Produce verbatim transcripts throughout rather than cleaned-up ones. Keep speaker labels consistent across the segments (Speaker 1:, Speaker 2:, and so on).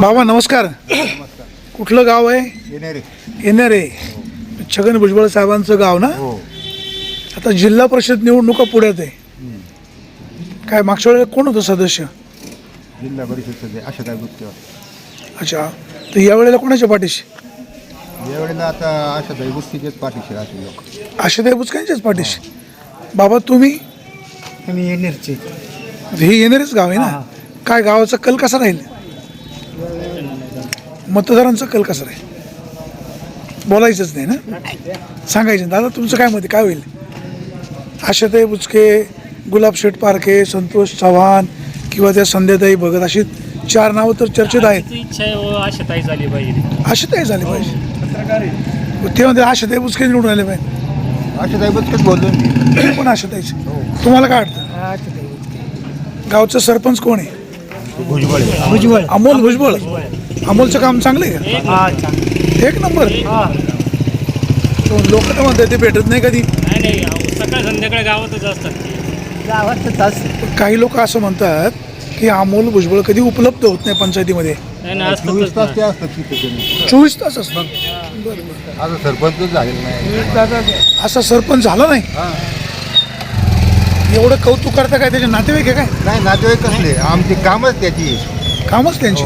Speaker 1: बाबा नमस्कार.
Speaker 2: नमस्कार.
Speaker 1: कुठलं गाव आहे?
Speaker 2: येणारे.
Speaker 1: येणारे. छगन भुजबळ साहेबांचं गाव ना.
Speaker 2: हो.
Speaker 1: आता जिल्हा परिषद निवडणुका पुढ्यात आहे. काय मागच्या वेळेला कोण होतं सदस्य?
Speaker 2: जिल्हा परिषद सध्या अशा काय गुप्त.
Speaker 1: अच्छा, तर यावेळेला कोणाच्या पाठीशी?
Speaker 2: यावेळेला आता अशा काही गोष्टीचेच पाठीशी राहतील लोक.
Speaker 1: आशाताई बुचकेंच्याच पाठीशी. बाबा तुम्ही?
Speaker 3: आम्ही येणारचे.
Speaker 1: हे येणारेच गाव आहे ना. काय गावाचा कल कसा राहील? मतदारांचा कल कसा राहील? बोलायचंच नाही ना, सांगायचं. दादा तुमचं काय मत आहे, काय होईल? आशाताई बुचके, गुलाबशेठ पारखे, संतोष चव्हाण किंवा त्या संध्याताई भगत अशी चार नावं तर चर्चेत आहेत.
Speaker 4: इच्छा आहे व आशाताई झाली पाहिजे.
Speaker 1: आशाताई झाली पाहिजे. ते म्हणते आशाताई बुचके निवडून आले पाहिजे.
Speaker 2: अशा काही गोष्टीच बोललो मी.
Speaker 1: पण आशाताईचे. तुम्हाला काय वाटतं? गावचं सरपंच कोण आहे?
Speaker 2: भुजबळ.
Speaker 3: भुजबळ.
Speaker 1: अमोल भुजबळ. अमोलचं काम चांगलं आहे का?
Speaker 3: हा चांगलं.
Speaker 1: एक नंबर.
Speaker 3: हा
Speaker 1: लोक तर म्हणतात ते भेटत नाही कधी.
Speaker 4: नाही नाही अहो, सकाळ संध्याकाळी गावातच असतात ते.
Speaker 3: गावात तास
Speaker 1: काही लोक असं म्हणतात की अमोल भुजबळ कधी उपलब्ध होत नाही पंचायतीमध्ये.
Speaker 4: नाही नाही
Speaker 2: चोवीस तास
Speaker 4: असतातच
Speaker 2: ते
Speaker 4: ना.
Speaker 2: असतात तिथे त्यांनी.
Speaker 1: चोवीस तास असतात.
Speaker 2: आता सरपंचच झालेलं नाही.
Speaker 1: असा सरपंच झाला नाही.
Speaker 2: हा.
Speaker 1: एवढं कौतुक करता काय त्याचे नातेवाईक आहे काय?
Speaker 2: नाही नातेवाईक कसले आमची कामच त्याची.
Speaker 1: कामच त्यांची.
Speaker 2: हो.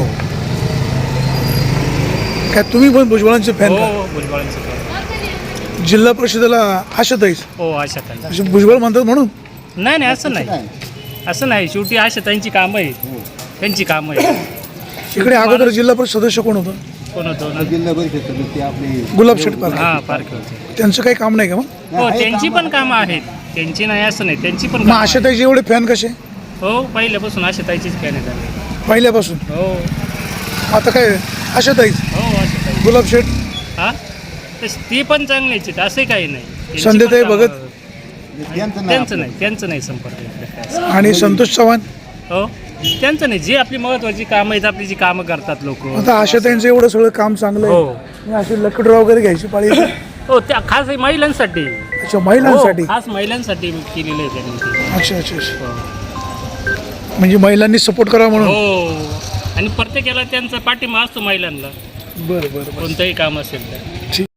Speaker 1: काय तुम्ही पण भुजबळांचे फॅन
Speaker 4: हो
Speaker 1: का?
Speaker 4: हो, भुजबळांचं काम.
Speaker 1: जिल्हा परिषदेला आशाताईच.
Speaker 4: हो आशाताई.
Speaker 1: असे भुजबळ म्हणतात म्हणून.
Speaker 4: नाही नाही असं नाही
Speaker 2: नाही.
Speaker 4: असं नाही. शेवटी आशाताईंची कामं आहे. त्यांची कामं आहे.
Speaker 1: इकडे अगोदर जिल्हा परिषद सदस्य कोण होतं?
Speaker 4: कोण होतो ना?
Speaker 2: जिल्हा परिषद सदस्य आपली
Speaker 1: गुलाबशेठ पारखे.
Speaker 4: हा पारखे होते.
Speaker 1: त्यांचं काही काम नाही का मग?
Speaker 4: हो
Speaker 2: आहे
Speaker 4: त्यांची
Speaker 2: कामं.
Speaker 4: पण कामं आहेत. त्यांची नाही असं नाही. त्यांची पण
Speaker 1: मग
Speaker 4: कामं आहेत.
Speaker 1: आशाताईचे एवढे फॅन कसे?
Speaker 4: हो पहिल्यापासून आशाताईचीच फॅन आहे त्यांनी.
Speaker 1: पहिल्यापासून.
Speaker 4: हो
Speaker 1: आता काय आशाताईच.
Speaker 4: हो आशाताई.
Speaker 1: गुलाबशेठ.
Speaker 4: हा तस ती पण चांगलीच आहेत. असं काही नाही. त्यांची
Speaker 1: संध्याताई
Speaker 4: पण कामं-
Speaker 1: भगत.
Speaker 2: त्यांचं नाही
Speaker 4: त्यांचं
Speaker 2: आपलं.
Speaker 4: नाही त्यांचं नाही संपर्क इकडे काय.
Speaker 1: आणि संतोष चव्हाण.
Speaker 4: हो त्यांचं नाही. जी आपली महत्वाची कामं आहेत आपली जी कामं करतात लोक.
Speaker 1: आता आशाताईंचं एवढं सगळं काम चांगलं
Speaker 4: हो
Speaker 1: आहे. असे लकडं वगैरे घ्यायची पाळी येते.
Speaker 4: हो त्या खास हे महिलांसाठी.
Speaker 1: अच्छा, महिलांसाठी.
Speaker 4: हो, खास महिलांसाठी केलेलं आहे त्यांनी ते.
Speaker 1: अच्छा अच्छा अच्छा.
Speaker 4: हो.
Speaker 1: म्हणजे महिलांनी सपोर्ट करा म्हणून.
Speaker 4: हो आणि प्रत्येकाला त्यांचा पाठिंबा असतो महिलांना.
Speaker 1: बरं बरं बरं.
Speaker 4: कोणतंही काम असेल तर.
Speaker 1: ठीक.